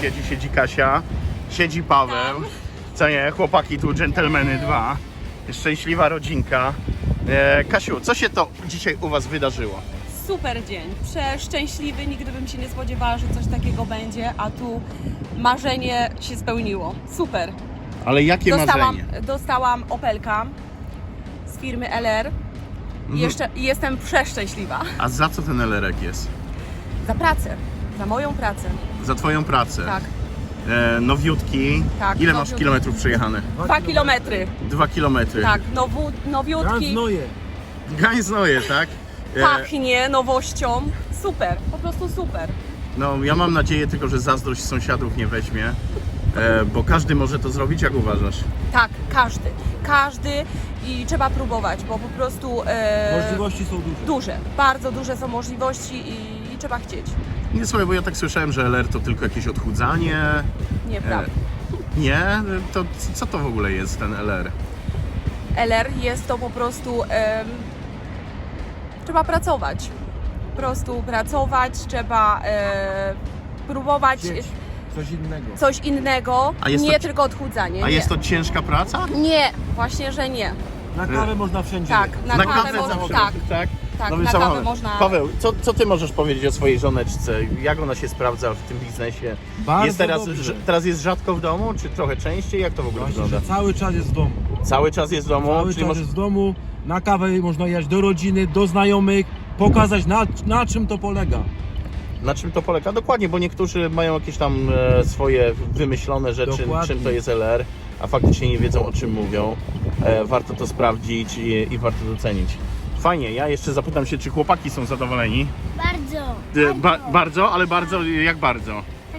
sąsiedzi siedzi Kasia, siedzi Paweł, co nie, chłopaki tu, dżentelmeny 2, szczęśliwa rodzinka. Kasiu, co się to dzisiaj u was wydarzyło? Super dzień, przeszczęśliwy, nigdy bym się nie spodziewała, że coś takiego będzie, a tu marzenie się spełniło. Super. Ale jakie marzenie? Dostałam Opelka z firmy LR i jestem przeszczęśliwa. A za co ten LR-ek jest? Za pracę, za moją pracę. Za twoją pracę? Tak. Nowiutki. Tak, Ile masz nowiutki. kilometrów przejechane? 2 kilometry. 2 kilometry. Tak, nowiutki. Gdańsk-Noje, tak? Pachnie nowością. Super, po prostu super. No, ja mam nadzieję tylko, że zazdrość sąsiadów nie weźmie, bo każdy może to zrobić, jak uważasz? Tak, każdy i trzeba próbować, bo po prostu Możliwości są duże. duże, bardzo duże są możliwości i trzeba chcieć. Nie, słuchaj, bo ja tak słyszałem, że LR to tylko jakieś odchudzanie. Nieprawda. Nie? To co to w ogóle jest ten LR? LR jest to po prostu trzeba pracować. Po prostu pracować, trzeba próbować Chcieć coś innego. coś innego, A jest nie to- tylko odchudzanie. A nie. jest to ciężka praca? Nie, właśnie, że nie. Na kawę można wszędzie. Tak, jechać. na kawę zawsze. można, tak. tak? Tak, Nowy na kawę samochód. można. Paweł, co ty możesz powiedzieć o swojej żoneczce? Jak ona się sprawdza w tym biznesie? Bardzo Jest dobrze. teraz jest rzadko w domu, czy trochę częściej? Jak to w ogóle Właśnie, wygląda? że cały czas jest w domu. Cały czas jest w domu? Cały czyli czas jest w domu. Na kawę można jechać do rodziny, do znajomych, pokazać na czym to polega. Na czym to polega? Dokładnie, bo niektórzy mają jakieś tam swoje wymyślone rzeczy, Dokładnie. czym to jest LR, a faktycznie nie wiedzą, o czym mówią. Warto to sprawdzić i warto docenić. Fajnie, ja jeszcze zapytam się, czy chłopaki są zadowoleni? Bardzo. Bardzo, ale bardzo, jak bardzo? Tak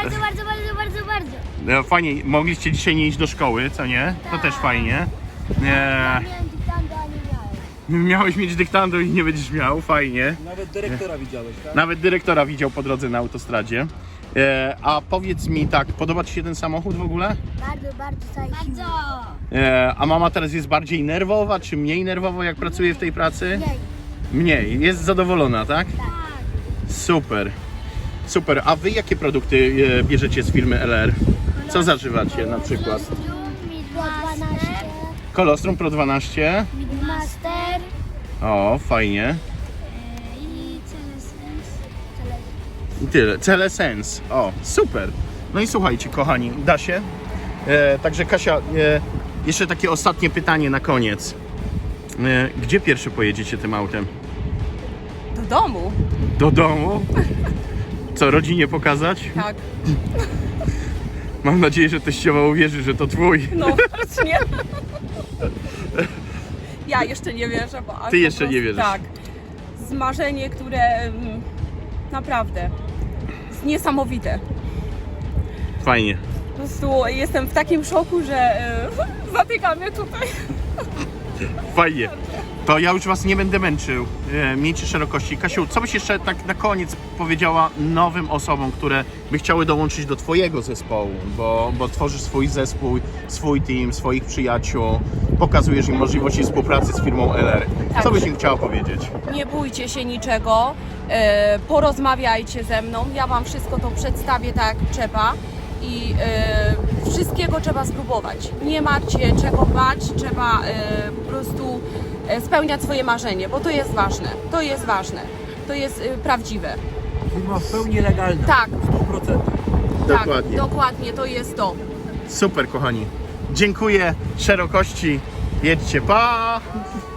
bardzo. Fajnie, mogliście dzisiaj nie iść do szkoły, co nie? To też fajnie. Miałem dyktando, a nie miałem. Miałeś mieć dyktando i nie będziesz miał, fajnie. Nawet dyrektora widziałeś, tak? Nawet dyrektora widział po drodze na autostradzie. A powiedz mi tak, podoba ci się ten samochód w ogóle? Bardzo Bardzo. A mama teraz jest bardziej nerwowa, czy mniej nerwowa, jak pracuje w tej pracy? Mniej. Jest zadowolona, tak? Tak. Super. Super. A wy jakie produkty bierzecie z firmy LR? Co zażywacie na przykład? Midmaster. Kolostrum Pro 12. Midmaster. O, fajnie. I I tyle. Celesens. O, super. No i słuchajcie, kochani, da się. Także Kasia, jeszcze takie ostatnie pytanie na koniec. Gdzie pierwszy pojedziecie tym autem? Do domu. Do domu? Co, rodzinie pokazać? Tak. Mam nadzieję, że teściowa uwierzy, że to twój. No, nie. Ja jeszcze nie wierzę, bo aż Ty po jeszcze prostu, nie wierzysz. Tak. Zmarzenie, które naprawdę jest niesamowite. Fajnie. Po prostu jestem w takim szoku, że zatyka mnie tutaj. Fajnie. To ja już was nie będę męczył. Miejcie szerokości. Kasiu, co byś jeszcze tak na koniec powiedziała nowym osobom, które by chciały dołączyć do twojego zespołu, bo tworzysz swój zespół, swój team, swoich przyjaciół, pokazujesz im możliwości współpracy z firmą LR. Tak. Co byś im chciała powiedzieć? Nie bójcie się niczego, porozmawiajcie ze mną, ja wam wszystko to przedstawię tak jak trzeba i wszystkiego trzeba spróbować. Nie macie czego bać, trzeba po prostu spełniać swoje marzenie, bo to jest ważne, to jest prawdziwe. Firma w pełni legalna. Tak. 100%. Dokładnie. Tak, dokładnie, to jest to. Super, kochani. Dziękuję. Szerokości. Jedźcie. Pa!